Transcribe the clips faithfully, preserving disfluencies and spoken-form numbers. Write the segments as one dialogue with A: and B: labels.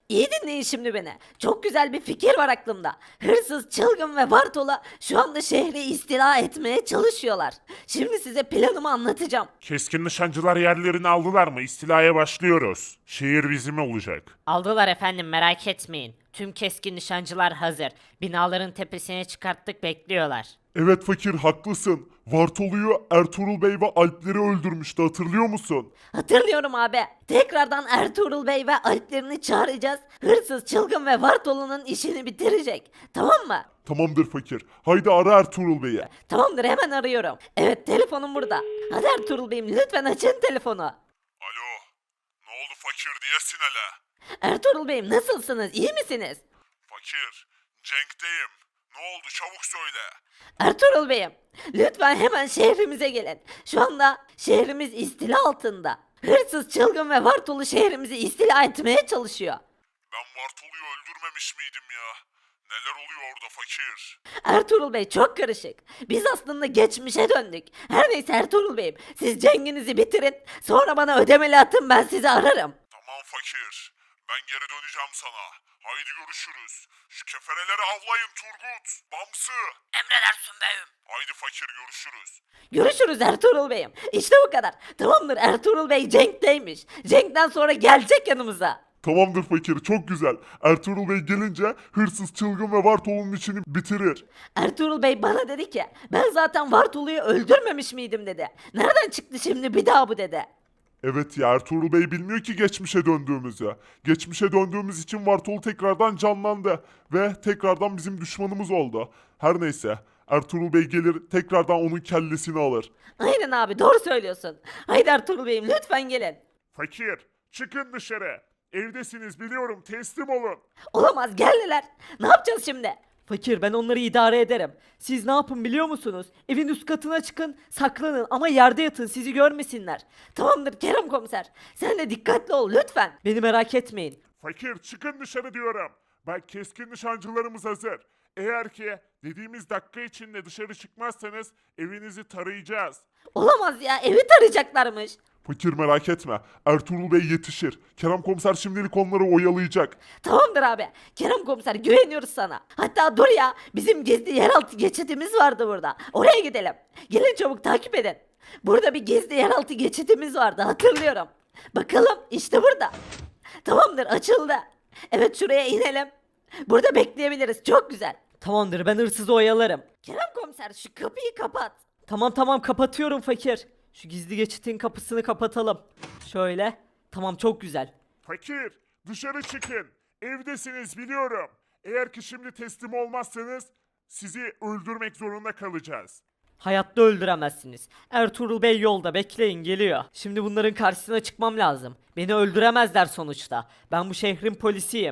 A: İyi dinleyin şimdi beni. Çok güzel bir fikir var aklımda. Hırsız, çılgın ve Bartol'a şu anda şehri istila etmeye çalışıyorlar. Şimdi size planımı anlatacağım.
B: Keskin nişancılar yerlerini aldılar mı? İstilaya başlıyoruz. Şehir bizim olacak.
C: Aldılar efendim, merak etmeyin. Tüm keskin nişancılar hazır. Binaların tepesine çıkarttık, bekliyorlar.
B: Evet fakir haklısın. Vartolu'yu Ertuğrul Bey ve Alpleri öldürmüştü hatırlıyor musun?
A: Hatırlıyorum abi. Tekrardan Ertuğrul Bey ve alplerini çağıracağız. Hırsız, çılgın ve Bartolu'nun işini bitirecek. Tamam mı?
B: Tamamdır fakir. Haydi ara Ertuğrul Bey'i.
A: Tamamdır, hemen arıyorum. Evet, telefonum burada. Hadi Ertuğrul Bey'im, lütfen açın telefonu.
B: Alo. Ne oldu fakir diyesin hele.
A: Ertuğrul Bey'im, nasılsınız? İyi misiniz?
B: Fakir. Cenk'teyim. Ne oldu çabuk söyle.
A: Ertuğrul Bey'im, lütfen hemen şehrimize gelin. Şu anda şehrimiz istila altında. Hırsız, çılgın ve Bartolu şehrimizi istila etmeye çalışıyor.
B: Ben Vartolu'yu öldürmemiş miydim ya? Neler oluyor orada fakir?
A: Ertuğrul Bey, çok karışık. Biz aslında geçmişe döndük. Her neyse Ertuğrul Bey'im, siz cenginizi bitirin. Sonra bana ödemeli atın, ben sizi ararım.
B: Tamam fakir. Ben geri döneceğim sana. Haydi görüşürüz. Şu kefereleri avlayın Turgut. Bamsı.
A: Emredersin beyim.
B: Haydi fakir görüşürüz.
A: Görüşürüz Ertuğrul Bey'im. İşte bu kadar. Tamamdır, Ertuğrul Bey Cenk'teymiş. Cenk'ten sonra gelecek yanımıza.
B: Tamamdır fakir çok güzel. Ertuğrul Bey gelince hırsız çılgın ve Vartolu'nun işini bitirir.
A: Ertuğrul Bey bana dedi ki ben zaten Bartolu'yu öldürmemiş miydim dedi. Nereden çıktı şimdi bir daha bu dedi.
B: Evet ya Ertuğrul Bey bilmiyor ki geçmişe döndüğümüzü. Geçmişe döndüğümüz için Vartolu tekrardan canlandı ve tekrardan bizim düşmanımız oldu. Her neyse Ertuğrul Bey gelir tekrardan onun kellesini alır.
A: Aynen abi, doğru söylüyorsun. Haydi Ertuğrul Bey'im, lütfen gelin.
B: Fakir çıkın dışarı. Evdesiniz biliyorum teslim olun.
A: Olamaz, geldiler. Ne yapacağız şimdi?
D: Fakir, ben onları idare ederim. Siz ne yapın biliyor musunuz? Evin üst katına çıkın, saklanın ama yerde yatın, sizi görmesinler.
A: Tamamdır Kerem komiser. Sen de dikkatli ol lütfen.
D: Beni merak etmeyin.
B: Fakir çıkın dışarı diyorum. Bak keskin nişancılarımız hazır. Eğer ki dediğimiz dakika içinde dışarı çıkmazsanız evinizi tarayacağız.
A: Olamaz ya, evi tarayacaklarmış.
B: Fakir merak etme. Ertuğrul Bey yetişir. Kerem komiser şimdilik onları oyalayacak.
A: Tamamdır abi. Kerem komiser, güveniyoruz sana. Hatta dur ya, bizim gizli yeraltı geçidimiz vardı burada. Oraya gidelim. Gelin çabuk, takip edin. Burada bir gizli yeraltı geçidimiz vardı, hatırlıyorum. Bakalım, işte burada. Tamamdır, açıldı. Evet, şuraya inelim. Burada bekleyebiliriz, çok güzel.
D: Tamamdır, ben hırsızı oyalarım.
A: Kerem komiser, şu kapıyı kapat.
D: Tamam tamam, kapatıyorum fakir. Şu gizli geçitin kapısını kapatalım. Şöyle. Tamam, çok güzel.
B: Fakir dışarı çıkın. Evdesiniz biliyorum. Eğer ki şimdi teslim olmazsanız sizi öldürmek zorunda kalacağız.
D: Hayatta öldüremezsiniz. Ertuğrul Bey yolda, bekleyin, geliyor. Şimdi bunların karşısına çıkmam lazım. Beni öldüremezler sonuçta. Ben bu şehrin polisiyim.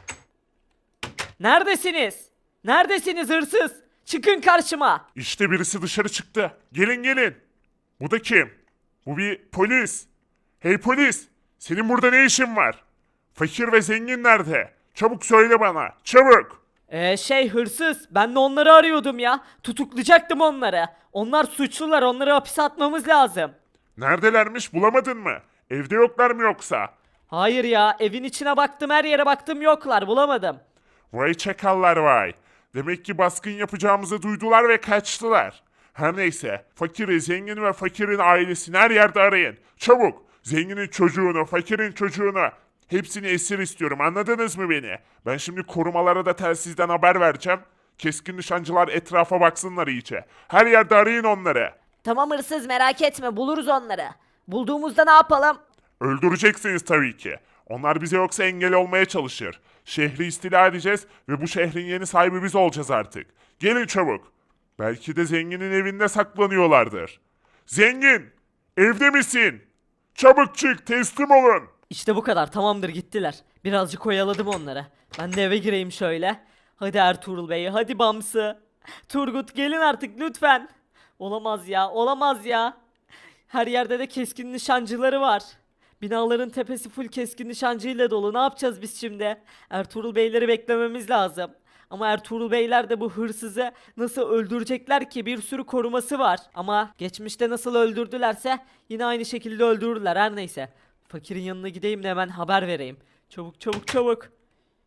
D: Neredesiniz? Neredesiniz hırsız? Çıkın karşıma.
B: İşte birisi dışarı çıktı. Gelin gelin. Bu da kim? Bu bir polis. Hey polis. Senin burada ne işin var? Fakir ve zengin nerede? Çabuk söyle bana. Çabuk.
D: Ee şey hırsız, ben de onları arıyordum ya. Tutuklayacaktım onları. Onlar suçlular, onları hapise atmamız lazım.
B: Neredelermiş bulamadın mı? Evde yoklar mı yoksa?
D: Hayır ya, evin içine baktım, her yere baktım, yoklar, bulamadım.
B: Vay çakallar vay. Demek ki baskın yapacağımızı duydular ve kaçtılar. Her neyse, fakiri, zengin ve fakirin ailesini her yerde arayın. Çabuk, zenginin çocuğunu, fakirin çocuğunu. Hepsini esir istiyorum, anladınız mı beni? Ben şimdi korumalara da telsizden haber vereceğim. Keskin nişancılar etrafa baksınlar iyice. Her yerde arayın onları.
A: Tamam hırsız, merak etme, buluruz onları. Bulduğumuzda ne yapalım?
B: Öldüreceksiniz tabii ki. Onlar bize yoksa engel olmaya çalışır. Şehri istila edeceğiz ve bu şehrin yeni sahibi biz olacağız artık. Gelin çabuk. Belki de zenginin evinde saklanıyorlardır. Zengin! Evde misin? Çabuk çık, teslim olun.
D: İşte bu kadar, tamamdır, gittiler. Birazcık oyaladım onları. Ben de eve gireyim şöyle. Hadi Ertuğrul Bey, hadi Bamsı. Turgut, gelin artık lütfen. Olamaz ya, olamaz ya. Her yerde de keskin nişancıları var. Binaların tepesi full keskin nişancıyla dolu. Ne yapacağız biz şimdi? Ertuğrul Beyleri beklememiz lazım. Ama Ertuğrul Beyler de bu hırsızı nasıl öldürecekler ki, bir sürü koruması var. Ama geçmişte nasıl öldürdülerse yine aynı şekilde öldürürler, her neyse. Fakirin yanına gideyim de hemen haber vereyim. Çabuk çabuk çabuk.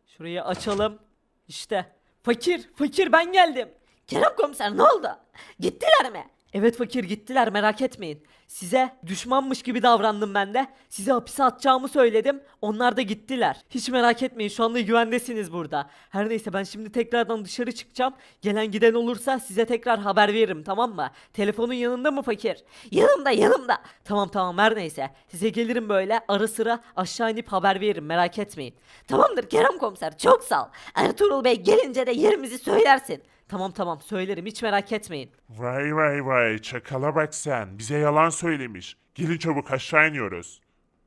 D: Şurayı açalım. İşte. Fakir, fakir ben geldim.
A: Kerem komiser ne oldu? Gittiler mi?
D: Evet fakir gittiler merak etmeyin. Size düşmanmış gibi davrandım ben de. Sizi hapise atacağımı söyledim. Onlar da gittiler. Hiç merak etmeyin şu anda güvendesiniz burada. Her neyse ben şimdi tekrardan dışarı çıkacağım. Gelen giden olursa size tekrar haber veririm tamam mı? Telefonun yanında mı fakir?
A: Yanımda yanımda.
D: Tamam tamam her neyse. Size gelirim böyle ara sıra aşağı inip haber veririm merak etmeyin.
A: Tamamdır Kerem komiser çok sağ ol. Ertuğrul Bey gelince de yerimizi söylersin.
D: Tamam tamam söylerim hiç merak etmeyin.
B: Vay vay vay çakala bak sen. Bize yalan söylemiş. Gelin çabuk aşağı iniyoruz.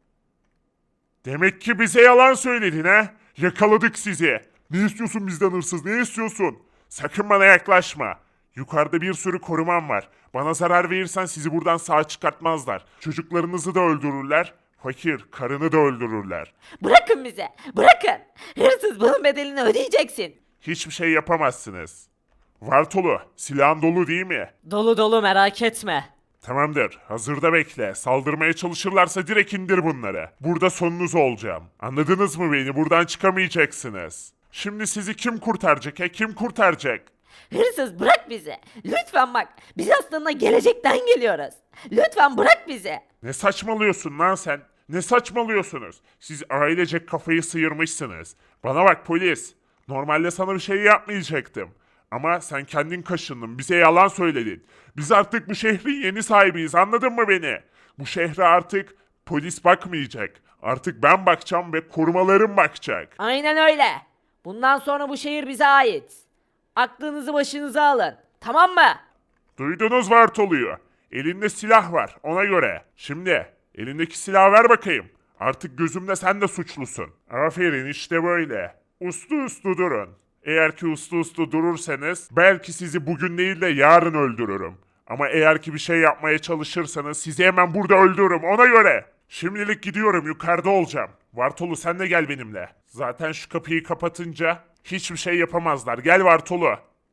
B: Demek ki bize yalan söyledin ha? Yakaladık sizi. Ne istiyorsun bizden hırsız ne istiyorsun? Sakın bana yaklaşma. Yukarıda bir sürü korumam var. Bana zarar verirsen sizi buradan sağ çıkartmazlar. Çocuklarınızı da öldürürler. Fakir, karını da öldürürler.
A: Bırakın bize bırakın. Hırsız bunun bedelini ödeyeceksin.
B: Hiçbir şey yapamazsınız. Vartolu, silahın dolu değil mi?
D: Dolu dolu merak etme.
B: Tamamdır. Hazırda bekle. Saldırmaya çalışırlarsa direkt indir bunları. Burada sonunuz olacağım. Anladınız mı beni? Buradan çıkamayacaksınız. Şimdi sizi kim kurtaracak he? Kim kurtaracak?
A: Hırsız bırak bizi. Lütfen bak biz aslında gelecekten geliyoruz. Lütfen bırak bizi.
B: Ne saçmalıyorsun lan sen? Ne saçmalıyorsunuz? Siz ailecek kafayı sıyırmışsınız. Bana bak polis. Normalde sana bir şey yapmayacaktım. Ama sen kendin kaşındın. Bize yalan söyledin. Biz artık bu şehrin yeni sahibiyiz. Anladın mı beni? Bu şehre artık polis bakmayacak. Artık ben bakacağım ve korumalarım bakacak.
A: Aynen öyle. Bundan sonra bu şehir bize ait. Aklınızı başınıza alın. Tamam mı?
B: Duydunuz Vartolu'yu. Elinde silah var ona göre. Şimdi elindeki silahı ver bakayım. Artık gözümde sen de suçlusun. Aferin işte böyle. Uslu uslu durun. Eğer ki uslu uslu durursanız belki sizi bugün değil de yarın öldürürüm. Ama eğer ki bir şey yapmaya çalışırsanız sizi hemen burada öldürürüm ona göre. Şimdilik gidiyorum yukarıda olacağım. Vartolu sen de gel benimle. Zaten şu kapıyı kapatınca hiçbir şey yapamazlar. Gel Vartolu.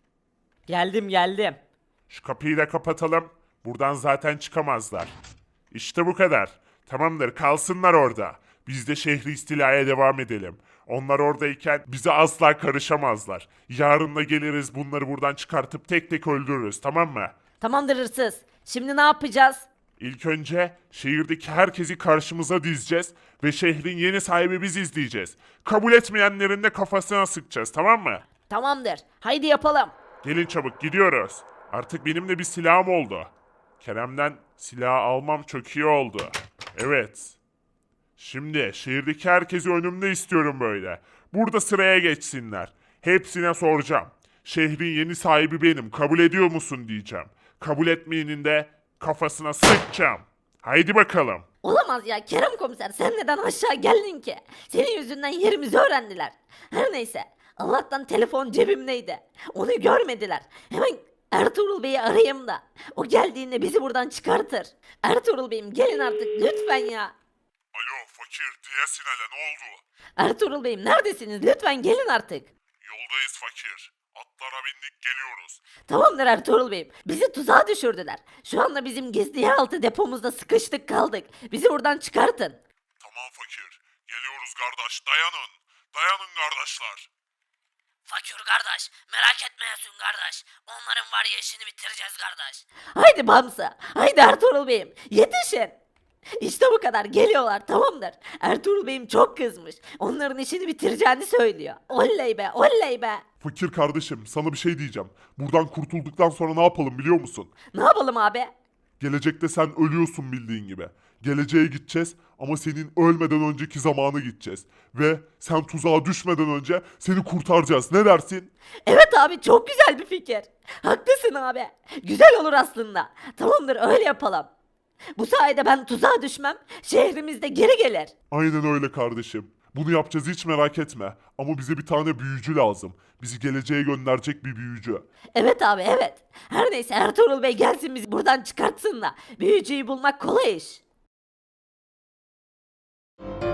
D: Geldim geldim.
B: Şu kapıyı da kapatalım. Buradan zaten çıkamazlar. İşte bu kadar. Tamamdır kalsınlar orada. Biz de şehri istilaya devam edelim. Onlar oradayken bize asla karışamazlar. Yarın da geliriz bunları buradan çıkartıp tek tek öldürürüz tamam mı?
A: Tamamdır hırsız. Şimdi ne yapacağız?
B: İlk önce şehirdeki herkesi karşımıza dizeceğiz ve şehrin yeni sahibi biz izleyeceğiz. Kabul etmeyenlerin de kafasına sıkacağız tamam mı?
A: Tamamdır. Haydi yapalım.
B: Gelin çabuk gidiyoruz. Artık benim de bir silahım oldu. Kerem'den silah almam çok iyi oldu. Evet. Şimdi şehirdeki herkesi önümde istiyorum böyle. Burada sıraya geçsinler. Hepsine soracağım. Şehrin yeni sahibi benim. Kabul ediyor musun diyeceğim. Kabul etmeyenin de kafasına sıkacağım. Haydi bakalım.
A: Olamaz ya Kerem komiser sen neden aşağı geldin ki? Senin yüzünden yerimizi öğrendiler. Her neyse Allah'tan telefon cebimdeydi. Onu görmediler. Hemen Ertuğrul Bey'i arayayım da. O geldiğinde bizi buradan çıkartır. Ertuğrul Bey'im gelin artık lütfen ya.
B: Alo fakir diyesin hele ne oldu?
A: Ertuğrul Bey'im neredesiniz? Lütfen gelin artık.
B: Yoldayız fakir. Atlara bindik geliyoruz.
A: Tamamdır Ertuğrul Bey'im. Bizi tuzağa düşürdüler. Şu anda bizim gizli yeraltı depomuzda sıkıştık kaldık. Bizi buradan çıkartın.
B: Tamam fakir. Geliyoruz kardeş dayanın. Dayanın kardeşler.
C: Fakir kardeş, merak etmeyesin kardeş. Onların var ya işini bitireceğiz kardeş.
A: Haydi Bamsa. Haydi Ertuğrul Bey'im. Yetişin. İşte bu kadar geliyorlar tamamdır. Ertuğrul Bey'im çok kızmış. Onların işini bitireceğini söylüyor. Oley be oley be.
B: Fakir kardeşim sana bir şey diyeceğim. Buradan kurtulduktan sonra ne yapalım biliyor musun?
A: Ne yapalım abi?
B: Gelecekte sen ölüyorsun bildiğin gibi. Geleceğe gideceğiz ama senin ölmeden önceki zamanı gideceğiz. Ve sen tuzağa düşmeden önce seni kurtaracağız. Ne dersin?
A: Evet abi çok güzel bir fikir. Haklısın abi. Güzel olur aslında. Tamamdır öyle yapalım. Bu sayede ben tuzağa düşmem. Şehrimizde geri gelir.
B: Aynen öyle kardeşim. Bunu yapacağız hiç merak etme. Ama bize bir tane büyücü lazım. Bizi geleceğe gönderecek bir büyücü.
A: Evet abi evet. Her neyse Ertuğrul Bey gelsin bizi buradan çıkartsın da. Büyücüyü bulmak kolay iş.